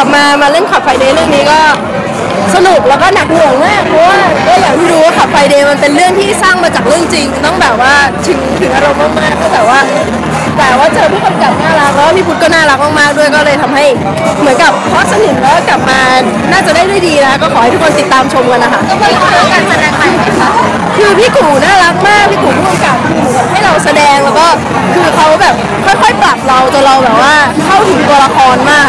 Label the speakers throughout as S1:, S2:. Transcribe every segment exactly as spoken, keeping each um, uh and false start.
S1: บมามาเล่นขับไฟเดย์เรื่องนี้ก็สนุกแล้วก็หนักหน่วงมากเพราะว่าก็อย่างที่รู้ว่าขับไฟเดย์มันเป็นเรื่องที่สร้างมาจากเรื่องจริงต้องแบบว่าถึงถึงอารมณ์มากๆก็แต่ว่าแต่ว่าเจอผู้กำกับน่ารักแล้วพี่พุทธก็น่ารักมากๆด้วยก็เลยทำให้เหมือนกับพอสนิทแล้วกลับมาน่าจะได้ด้วยดีนะก็ขอให้ทุกคนติดตามชมกันนะคะก็เป็นการแสดงใหม่ค่ะคือพี่กู่น่ารักมากพี่กู่ผู้กำกับให้เราแสดงแล้วก็คือเขาแบบค่อยๆปรับเราจนเราแบบว่าเข้าถึงตัวละครมาก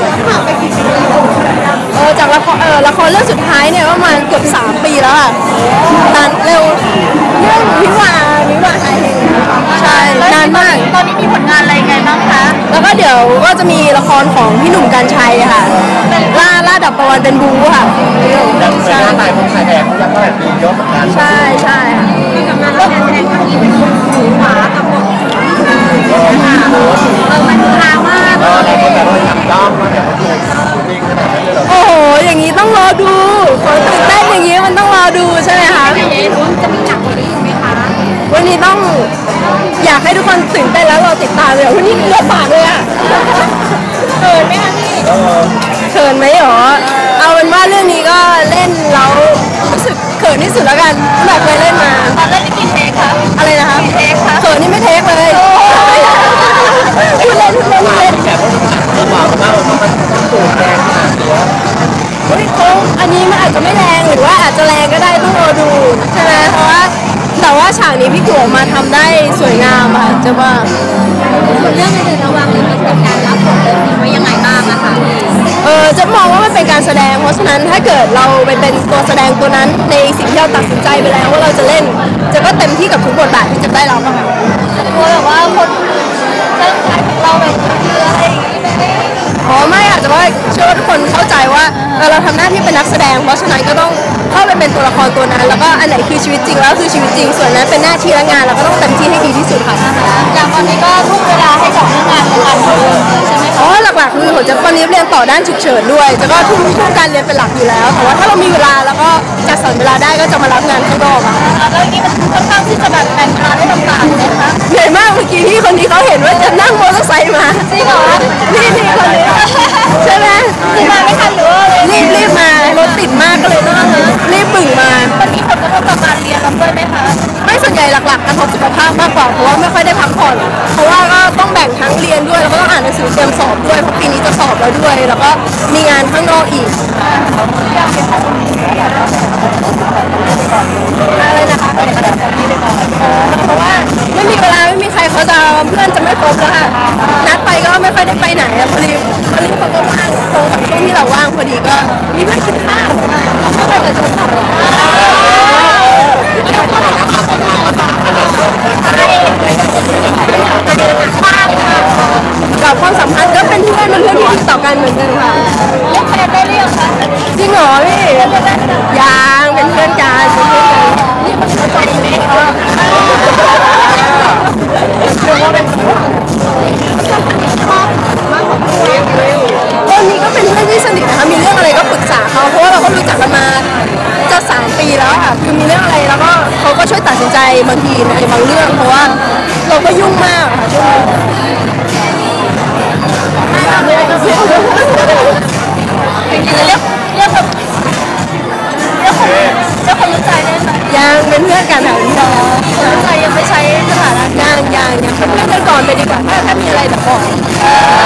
S1: เออจากละครเออละครเรื่องสุดท้ายเนี่ยประมาณเกือบสามปีแล้วอ่ะนานเร็วเรื่องวิวาวิวาไทยใช่นานมากตอนนี้มีผลงานอะไรไงบ้างคะแล้วก็เดี๋ยวก็จะมีละครของพี่หนุ่มกรรชัยค่ะล่าล่าดับประวันเป็นบูค่ะ
S2: ใช่ถ่ายคงถ่ายแดงยังก็แบบมีเยอะเหมือนกัน
S1: ใช่ใช่ค่ะกับงานการแสดงครั้งนี้เป็นหูหมากับบทเออมันฮามาก
S2: เราก็แบบว่าทำด้อมมาแบบว่าจริงขนาดนั้นเลยเหรอ
S1: โอ้โหอย่างนี้ต้องรอดูตื่นเต้นอย่างนี้มันต้องรอดูใช่ไหมคะ
S3: จะมีหนักกว่านี้ไหมคะ
S1: วันนี้ต้องอยากให้ทุกคนตื่นเต้นแล้วเราติดตามเลยวันนี้เลือดบาดเลยอ่ะ
S3: เขินไหมคะพี่
S1: เขินไหมหรอเอาเป็นว่าเรื่องนี้ก็เล่นแล้วรู้สึกเขินที่สุดแล้วกันแบบเคยเล่นมา
S3: ตอนเล่นนี่กี่เทคคะ
S1: อะไรนะคะ
S3: กี่เทคคะ
S1: เขินนี่ไม่เทคเลยพูดเล่นพูดเล่นพูดเล่น
S2: แบบว่าบอกว่ามันตูดแดงขนาดนี้
S1: เฮ้ยเขาอันนี้มันอาจจะไม่แรงหรือว่าอาจจะแรงก็ได้ต้องรอดูใช่ไหมเพราะว่าแต่ว่าฉากนี้พี่กูมาทำได้สวยงามค่ะจะว่า
S3: เรื่องอื่นระวังลิมิตกับการรับบทเลยไว้ยังไงบ้างอะคะ
S1: เออจะมองว่ามันเป็นการแสดงเพราะฉะนั้นถ้าเกิดเราไปเป็นตัวแสดงตัวนั้นในสิ่งที่เราตัดสินใจไปแล้วว่าเราจะเล่นจะก็เต็มที่กับทุกบทบาทที่จะได้รับค่ะ
S3: กลัวแบบว่าคนจะขายเราแบบอะไรอย่างงี้ไหม
S1: อ๋อไม่อาจจะว่าเชื่อว่าทุกคนเข้าใจว่าเราทำหน้าที่เป็นนักแสดงเพราะฉะนั้นก็ต้องเข้าไปเป็นตัวละครตัวนั้นแล้วก็อันไหนคือชีวิตจริงแล้วคือชีวิตจริงส่วนนั้นเป็นหน้าที่และงานเราก็ต้องเต็มที่ให้ดีที่สุดค่ะ
S3: อย่างตอนนี้ก็ทุ่มเวลาให้กับเรื่องงานเรื่องงานเลยใช่ไหม
S1: อ๋อหลักๆคือผมจะตอนนี้เรียนต่อด้านฉุกเฉินด้วยจะก็ทุ่มทุ่มการเรียนเป็นหลักอยู่แล้วแต่ว่าถ้าเรามีเวลาแล้วก็จัดสรรเวลาได้ก็จะมารับงานข้างนอกค่ะ
S3: แล้วนี้มันค่อนข้างที่จะแบบแบ่งเวลาได้ต่างๆเลยนะคะ
S1: เหนื่อยมากเมื่อกี้ที่คนนี้เขาเห็นว่าจะนั่งมอเตอร์ไซค์มา
S3: จริงเหรอ
S1: นี่นี่คนนี้ใช่ไหม
S3: คือมาไม่ทันหรือว่า
S1: รีบรีบมารถติดมากก็เลยต้องรีบบึ่งมา
S3: มันมีผลกระทบกับการเรียนเราด้วยไหมคะ
S1: ไม่ส่วนใหญ่หลักๆกระทบสุขภาพมากกว่าเพราะว่าไม่ค่อยได้พักผ่อนเพราะว่าก็ต้องแบ่งทั้งเรียนด้วยแล้วก็ต้องอ่านหนังสือเตรียมสอบด้วยเพราะปีนี้จะสอบแล้วด้วยแล้วก็มีงานข้างนอกอีกอะไรนะคะเพราะว่าไม่มีเวลาไม่มีใครเขาจะเพื่อนจะไม่ครบแล้วค่ะนัดไปก็ไม่ค่อยได้ไปไหนพอดีพอดีเขาก็ว่างตรงกับช่วงที่เราว่างพอดีก็มีเพื่อนกินข้าวก็ไปกับชมพู่กับความสัมพันธ์ก็เป็นเพื่อนเป็นเพื่อนที่ดีต่อกันเหมือนกันค่ะ
S3: เรียกแฟนได้เรียกค่ะ
S1: จริงเหรอพี่ยังเป็นเพื่อนกันเป็นเพื่อนกันนี่มันเข้าใจไหมตอนนี้ก็เป็นเพื่อนที่สนิทนะคะมีเรื่องอะไรก็ปรึกษาเขาเพราะว่าเราก็รู้จักกันมาจะสามปีแล้วค่ะคือมีเรื่องอะไรแล้วก็เขาก็ช่วยตัดสินใจบางทีในบางเรื่องเพราะว่าเราก็ยุ่งมากค่ะช่วงนี้
S3: เรียกเรียกเรียกเรียกคนเรียกคนเรียกคนรู้ใจได้ไหม
S1: ยังเป็นเพื่อนกันค่ะพี่น้อง
S3: รู้ใจยังไม่ใช้สถานะ
S1: ยังยังยังเป็นเพื่อนกันก่อนไปดีกว่าถ้าถ้ามีอะไรจะบอก